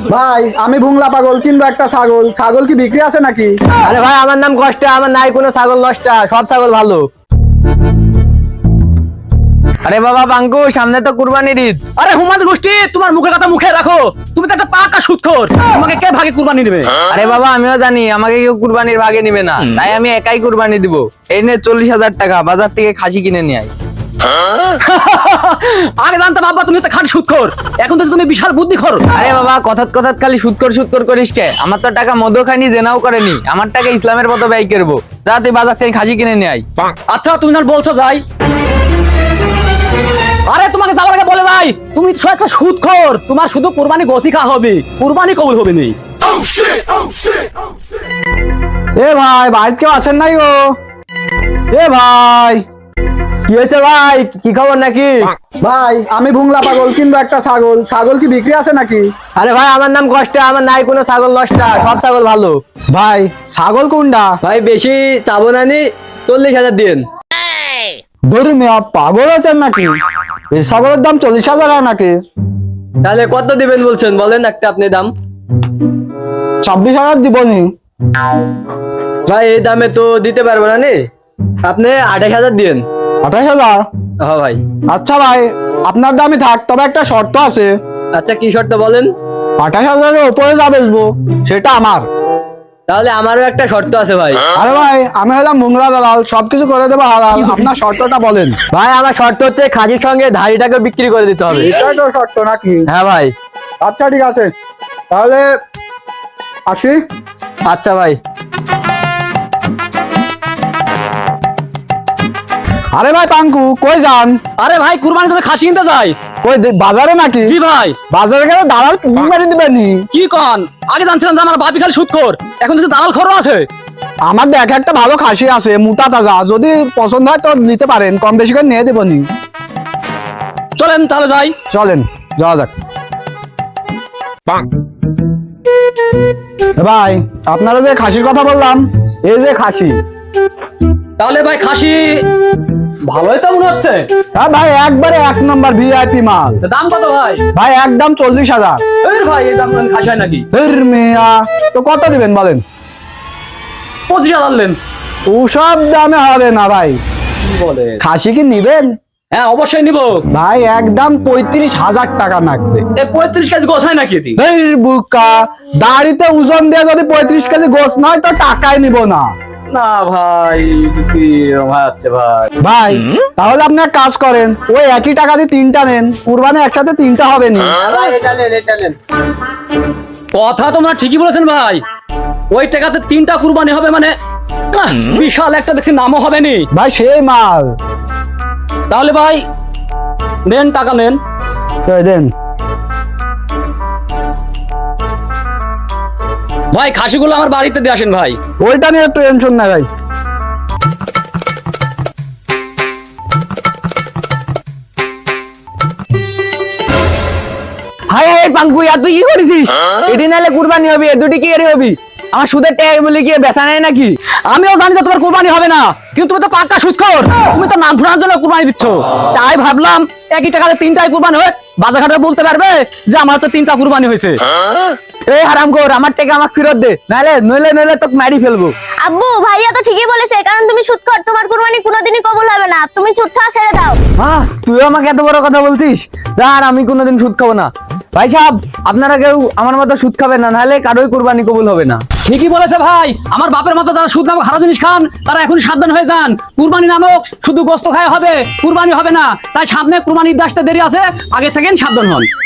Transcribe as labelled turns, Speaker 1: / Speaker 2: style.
Speaker 1: ভাই আমি ভুংলা পাগল কিনবো একটা ছাগল। ছাগল কি বিক্রি আছে নাকি?
Speaker 2: আরে ভাই আমার নাম কষ্ট, আমার নাই কোনো ছাগল নষ্ট, সব ছাগল ভালো। আরে বাবা বাঙ্কু, সামনে তো কুরবানির ঈদ।
Speaker 3: আরে হুমাদ গোষ্ঠী, তোমার মুখের কথা মুখে রাখো। তুমি তো একটা পাকা সুদখোর। তোমাকে কে ভাগে কুরবানি দিবে?
Speaker 2: আরে বাবা আমিও জানি আমাকে কেউ কুরবানির ভাগে নিবে না, তাই আমি একাই কুরবানি দিব। এই নে 40,000 টাকা, বাজার থেকে খাসি কিনে নিয়ে আয়।
Speaker 3: আগে জানতাম আব্বা তুমি তো খাঁটি সুদখোর, এখন তো তুমি বিশাল বুদ্ধিখোর।
Speaker 2: আরে বাবা কথাত কথাত খালি সুদকর সুদকর করিস কে? আমার তো টাকা মদও খাইনি, জেনাও করেনি, আমার টাকা ইসলামের মতো ব্যয় করবো। যা তুই বাজার থেকে খাসি কিনে নিয়ে আয়।
Speaker 3: আচ্ছা তুমি যখন বলছো যাই। আরে তোমাকে যাওয়ার আগে বলে যাই, তুমি তো একটা সুদখোর। তোমার শুধু কুরবানি গোসি খাওয়া হবে, কুরবানি কবুল হবে না।
Speaker 1: এ ভাই বাড়িতে কেউ আছেন নাই গো? এ ভাই
Speaker 2: কি হয়েছে ভাই, কি খবর নাকি?
Speaker 1: ভাই আমি ভুংলা পাগল কিনবো একটা ছাগল। ছাগল কি বিক্রি আছে নাকি?
Speaker 2: আরে ভাই আমার নাম কষ্ট, আমার নাই কোনো ছাগল নষ্ট, সব ছাগল ভালো।
Speaker 1: ভাই ছাগল কোনটা?
Speaker 2: ভাই বেশি চাবো না নি, 40,000 দিন।
Speaker 1: ধরি মেয়া পাগল আছেন নাকি? এই ছাগলের দাম 40,000 নাকি?
Speaker 2: তাহলে কত দিবেন বলছেন, বলেন একটা আপনি দাম।
Speaker 1: 26,000 দিবনি।
Speaker 2: ভাই এই দামে তো দিতে পারবো না নি, আপনি 28,000 দিন।
Speaker 1: 28,000?
Speaker 2: হ্যাঁ ভাই।
Speaker 1: আচ্ছা ভাই আপনার দামই থাক, তবে একটা শর্ত আছে।
Speaker 2: আচ্ছা কি শর্ত বলেন।
Speaker 1: 28,000-এর উপরে যা বেচবো সেটা আমার।
Speaker 2: তাহলে আমারও একটা শর্ত আছে ভাই।
Speaker 1: আরে ভাই আমি হলাম মুংলা দালাল, সবকিছু করে দেবো হালাল। আপনার শর্তটা বলেন।
Speaker 2: ভাই আমার শর্ত হচ্ছে খাসির সঙ্গে ধাড়িটাকে বিক্রি করে দিতে হবে।
Speaker 1: এটাই তো শর্ত নাকি?
Speaker 2: হ্যাঁ ভাই।
Speaker 1: আচ্ছা ঠিক আছে, তাহলে আসি।
Speaker 2: আচ্ছা ভাই।
Speaker 1: আরে ভাই পাঙ্কু কই যান?
Speaker 3: আরে ভাই কুরবানি তুমি খাসি কিনতে যাই।
Speaker 1: কই বাজারে নাকি?
Speaker 3: জি ভাই।
Speaker 1: বাজারে গেলে দালাল পুকুর মারি দিবেনি?
Speaker 3: কি কন? আগে জানছিলাম যে আমার বাপি খালি সুদখোর, এখন তো দালাল খরচ আছে।
Speaker 1: আমার দেখ একটা ভালো খাসি আছে, মোটা তাজা, যদি পছন্দ হয় তো নিতে পারেন, কম বেশি করে নিয়ে দেবনি।
Speaker 3: চলেন তাহলে যাই।
Speaker 1: চলেন যাওয়া যাক। ভাই আপনারা যে খাসির কথা বললাম, এই যে খাসি।
Speaker 3: তাহলে ভাই খাসি ভালোই তো মনে হচ্ছে।
Speaker 1: হ্যাঁ ভাই একবারে 1 নম্বর ভিআইপি মাল।
Speaker 3: তা দাম কত ভাই?
Speaker 1: ভাই একদম 40,000।
Speaker 3: এই ভাই এই দাম খাসি হয় নাকি?
Speaker 1: মিয়া তো কত দিবেন বলেন?
Speaker 3: 25,000 নেন।
Speaker 1: ওসব দামে হবে না ভাই।
Speaker 3: কি বলে?
Speaker 1: খাসি কি নিবেন?
Speaker 3: হ্যাঁ অবশ্যই নিব।
Speaker 1: ভাই একদম 35,000 টাকা লাগবে।
Speaker 3: এই 35 কেজি গোছ হয় নাকি এটি?
Speaker 1: এই বুকা, দাড়িতে ওজন দিয়ে যদি 35 কেজি গোস নয় তো টাকাই নিব না।
Speaker 3: না ভাই কি ভাই আছে ভাই।
Speaker 1: ভাই তাহলে আপনি এক কাজ করেন, ওই একই টাকা দিয়ে 3টা নেন, কুরবানি একসাথে 3টা হবে নি।
Speaker 3: কথা তোমরা ঠিকই বলেছেন ভাই, ওই টাকাতে 3টা কুরবানি হবে মানে বিশাল একটা দেখছি নামও হবে নি
Speaker 1: ভাই সেই মাল।
Speaker 3: তাহলে ভাই নেন, টাকা নেন।
Speaker 1: এই দেন।
Speaker 3: ভাই খাসিগুলো আমার বাড়িতে দিয়ে আসেন ভাই।
Speaker 1: ওইটা নিয়ে টেনশন নাই ভাই।
Speaker 2: হাই হাই পাঙ্কু, আর তুই কি করেছিস? এটি নাহলে কুরবানি হবে, এ দুটি কি এর হবি? আমার সুদের ট্যাগ বলে কি বেচা নেই নাকি?
Speaker 3: আমিও জানি যে তোমার কুরবানি হবে না, কিন্তু তুমি তো পাক্কা সুদখোর। তুমি তো নাম শোনার জন্য কুরবানি দিচ্ছ। তাই ভাবলাম একই টাকাতে 3টাই কুরবানি হয়, বাজার ঘাটে বলতে পারবে যে আমার তো 3টা কুরবানি হয়েছে।
Speaker 2: এই হারামখোর, আমার টাকা আমাকে ফেরত দে, নাহলে নইলে তোকে মারি ফেলবো।
Speaker 4: আব্বু ভাইয়া তো ঠিকই বলেছে, কারণ তুমি সুদখোর, তোমার কুরবানি কোনোদিনই কবুল হবে না। তুমি সুদ খাওয়া ছেড়ে দাও।
Speaker 2: তুই আমাকে এত বড় কথা বলছিস? যা, আর আমি কোনোদিন সুদ খাবো না। ভাই সাহেব আপনারা কেউ আমার মতো সুদ খাবেন না, নাহলে কারোই কুরবানি কবুল হবে না।
Speaker 3: ঠিকই বলেছে ভাই, আমার বাপের মতো যারা সুদ নামক হারাম জিনিস খান তারা এখন সাবধান হয়ে যান। কুরবানি নামক শুধু গোস্ত খাওয়া হবে, কুরবানি হবে না। তাই সামনে কুরবানি ঈদ আসতে দেরি আছে, আগে থেকেই সাবধান হন।